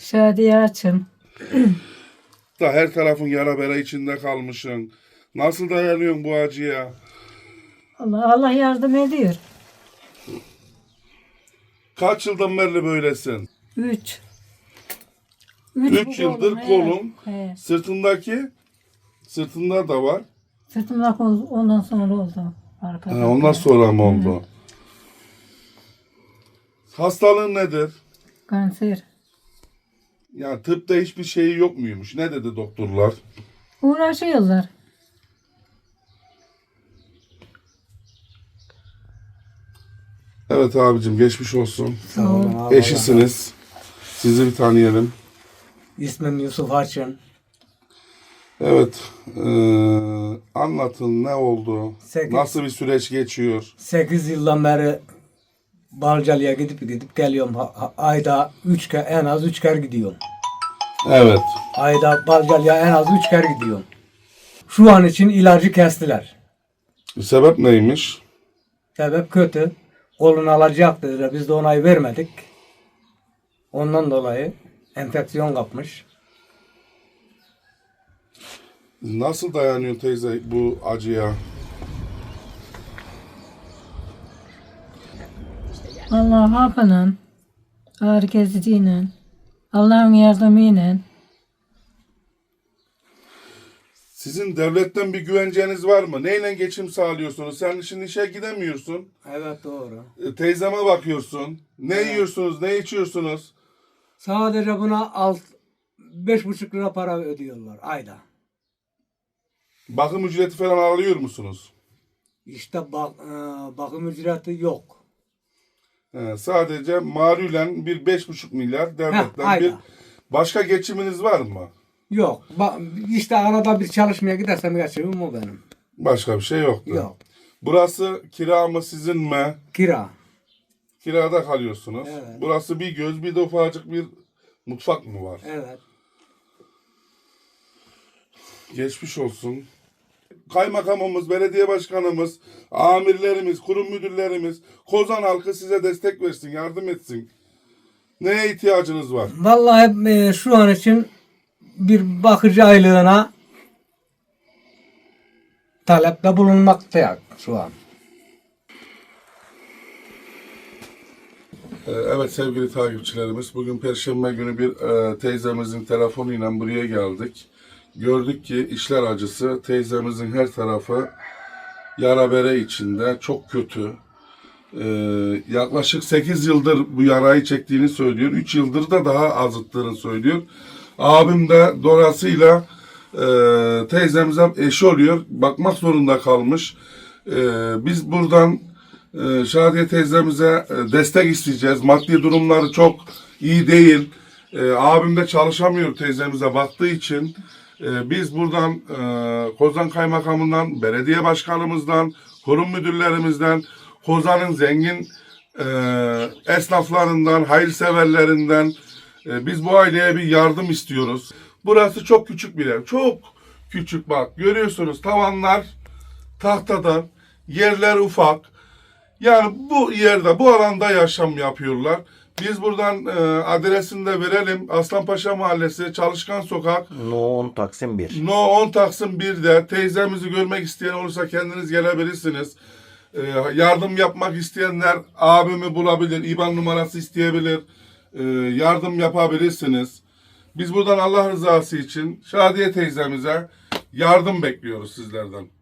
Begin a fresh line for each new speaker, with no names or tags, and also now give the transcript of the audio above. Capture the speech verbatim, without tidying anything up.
Şadiye açım.
Da her tarafın yara bere içinde kalmışsın. Nasıl dayanıyorsun bu acıya?
Allah, Allah yardım ediyor.
Kaç yıldan beri böylesin?
Üç.
Üç
bu
yıldır
he.
kolun,
He.
sırtındaki, sırtında da var.
Sırtımda kol ondan sonra oldu. Arkada.
Ha, ondan sonra mı oldu? Hastalığın nedir?
Kanser.
Yani tıpta hiçbir şeyi yok muymuş? Ne dedi doktorlar?
Uğraşıyorlar.
Evet abicim, geçmiş olsun.
Sağ olun abi.
Eşisiniz. Sizi bir tanıyalım.
İsmim Yusuf Harçın.
Evet. eee, anlatın, ne oldu?
Sekiz.
Nasıl bir süreç geçiyor?
sekiz yıldan beri Balcalı'ya gidip gidip geliyorum. Ha- ha- ayda üç kere, en az üç kere gidiyorum.
Evet.
Ayda Balcalı'ya en az üç kere gidiyorum. Şu an için ilacı kestiler.
Sebep neymiş?
Sebep kötü. Kolunu alacak dediler. Biz de onayı vermedik. Ondan dolayı enfeksiyon kapmış.
Nasıl dayanıyor teyze bu acıya?
Allah hakkının ağrı kesiciyle, Allah'ın yardımıyla.
Sizin devletten bir güvenceniz var mı? Neyle geçim sağlıyorsunuz? Sen şimdi işe gidemiyorsun.
Evet doğru.
E, teyzeme bakıyorsun. Ne
Evet.
yiyorsunuz? Ne içiyorsunuz?
Sadece buna alt beş buçuk lira para ödüyorlar ayda.
Bakım ücreti falan alıyor musunuz?
İşte bak, e, bakım ücreti yok.
He, sadece malulen bir beş buçuk milyar devletten
Heh, ayda.
bir. Başka geçiminiz var mı?
Yok. Ba- işte arada bir çalışmaya gidersem geçimim o benim.
Başka bir şey yoktu.
Yok.
Burası kira mı sizin mi?
Kira.
Kirada kalıyorsunuz.
Evet.
Burası bir göz, bir de ufacık bir mutfak mı var?
Evet.
Geçmiş olsun. Kaymakamımız, belediye başkanımız, amirlerimiz, kurum müdürlerimiz, Kozan halkı size destek versin, yardım etsin. Neye ihtiyacınız var?
Vallahi e, şu an için bir bakıcı aylığına talepte bulunmaktayız şu an.
Ee, Evet sevgili takipçilerimiz, bugün Perşembe günü bir e, teyzemizin telefonuyla buraya geldik. Gördük ki işler acısı, teyzemizin her tarafı yara bere içinde, çok kötü. Ee, yaklaşık sekiz yıldır bu yarayı çektiğini söylüyor. üç yıldır da daha azıttığını söylüyor. Abim de dolayısıyla e, teyzemize eşi oluyor. Bakmak zorunda kalmış. E, biz buradan e, Şadiye teyzemize e, destek isteyeceğiz. Maddi durumları çok iyi değil. E, abim de çalışamıyor teyzemize baktığı için. E, biz buradan e, Kozan Kaymakamından, belediye başkanımızdan, kurum müdürlerimizden, Kozan'ın zengin e, esnaflarından, hayırseverlerinden e, biz bu aileye bir yardım istiyoruz. Burası çok küçük bir ev. Çok küçük bak. Görüyorsunuz tavanlar tahtadan, yerler ufak. Yani bu yerde, bu alanda yaşam yapıyorlar. Biz buradan e, adresini de verelim. Aslanpaşa Mahallesi, Çalışkan Sokak.
No on Taksim bir.
No on Taksim bir'de teyzemizi görmek isteyen olursa kendiniz gelebilirsiniz. Ee, yardım yapmak isteyenler abimi bulabilir, İ B A N numarası isteyebilir, ee, yardım yapabilirsiniz. Biz buradan Allah rızası için Şadiye teyzemize yardım bekliyoruz sizlerden.